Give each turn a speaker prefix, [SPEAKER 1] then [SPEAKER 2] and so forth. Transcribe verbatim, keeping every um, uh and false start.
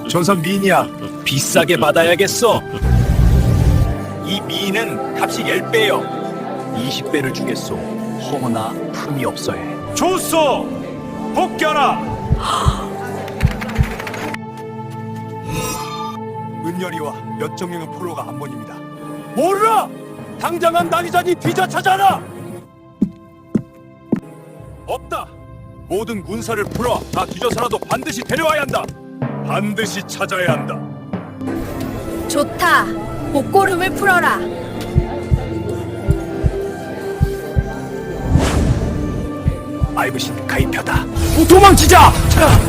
[SPEAKER 1] 전선 미인이야. 비싸게 받아야겠어. 이 미인은 값이 십 배요. 이십 배를 주겠소. 허나 품이 없어해.
[SPEAKER 2] 좋소! 복겨라!
[SPEAKER 1] 은열이와 몇 정령의 포로가 한 번입니다. 몰라! 당장한 낭이자니 뒤져찾아라! 없다! 모든 군사를 풀어 다 뒤져서라도 반드시 데려와야 한다! 반드시 찾아야 한다!
[SPEAKER 3] 좋다. 목고름을 풀어라.
[SPEAKER 1] 아이브신 가입하다. 도망치자! 자!